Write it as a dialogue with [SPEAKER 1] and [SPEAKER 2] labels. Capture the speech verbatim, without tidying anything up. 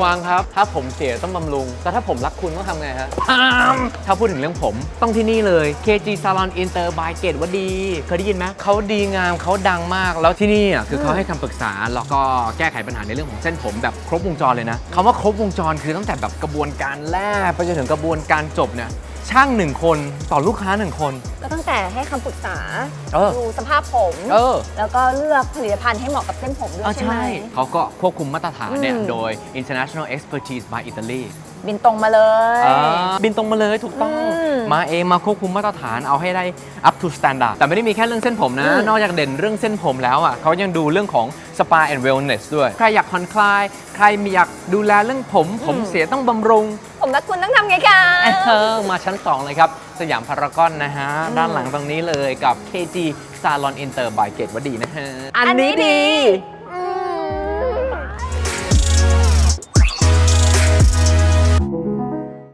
[SPEAKER 1] วงครับถ้าผมเสียต้องบำรุงแต่ถ้าผมรักคุณต้องทำไงฮะถ้าพูดถึงเรื่องผมต้องที่นี่เลย เค จี Salon Inter by เกตวดีเคยได้ยินไหมเขาดีงามเขาดังมากแล้วที่นี่อ่ะคือเขาให้คำปรึกษาแล้วก็แก้ไขปัญหาในเรื่องของเส้นผมแบบครบวงจรเลยนะคำว่าครบวงจรคือตั้งแต่แบบกระบวนการแรกไปจนถึงกระบวนการจบเนี่ยช่างหนึ่งคนต่อลูกค้าหนึ่งคน
[SPEAKER 2] ก็ตั้งแต่ให้คำปรึกษา
[SPEAKER 1] เออ
[SPEAKER 2] ดูสภาพผม
[SPEAKER 1] เออ
[SPEAKER 2] แล้วก็เลือกผลิตภัณฑ์ให้เหมาะกับเส้นผมด้วย
[SPEAKER 1] อ่ะ
[SPEAKER 2] ใช่ไหม
[SPEAKER 1] เขาก็ควบคุมมาตรฐานเนี่ย
[SPEAKER 2] อืม
[SPEAKER 1] โดย International Expertise by Italy
[SPEAKER 2] บินตรงมาเลย
[SPEAKER 1] อ่าบินตรงมาเลยถูกต้อง
[SPEAKER 2] อืม
[SPEAKER 1] มาเองมาควบคุมมาตรฐานเอาให้ได้ up to standard แต่ไม่ได้มีแค่เรื่องเส้นผมนะ
[SPEAKER 2] อืม
[SPEAKER 1] นอกจากเด่นเรื่องเส้นผมแล้วอ่ะเขายังดูเรื่องของ spa and wellness ด้วย ใครอยากผ่อนคลาย ใครมีอยากดูแลเรื่องผม ผมเสียต้องบำรุง
[SPEAKER 2] ผมรักคุณต้องทำไงคะ
[SPEAKER 1] เออมาชั้น สอง เลยครับ สยามพารากอนนะฮะ ด้านหลังตรงนี้เลยกับ เค จี Salon Inter by เกตวดีนะฮะ
[SPEAKER 2] อันนี้ดี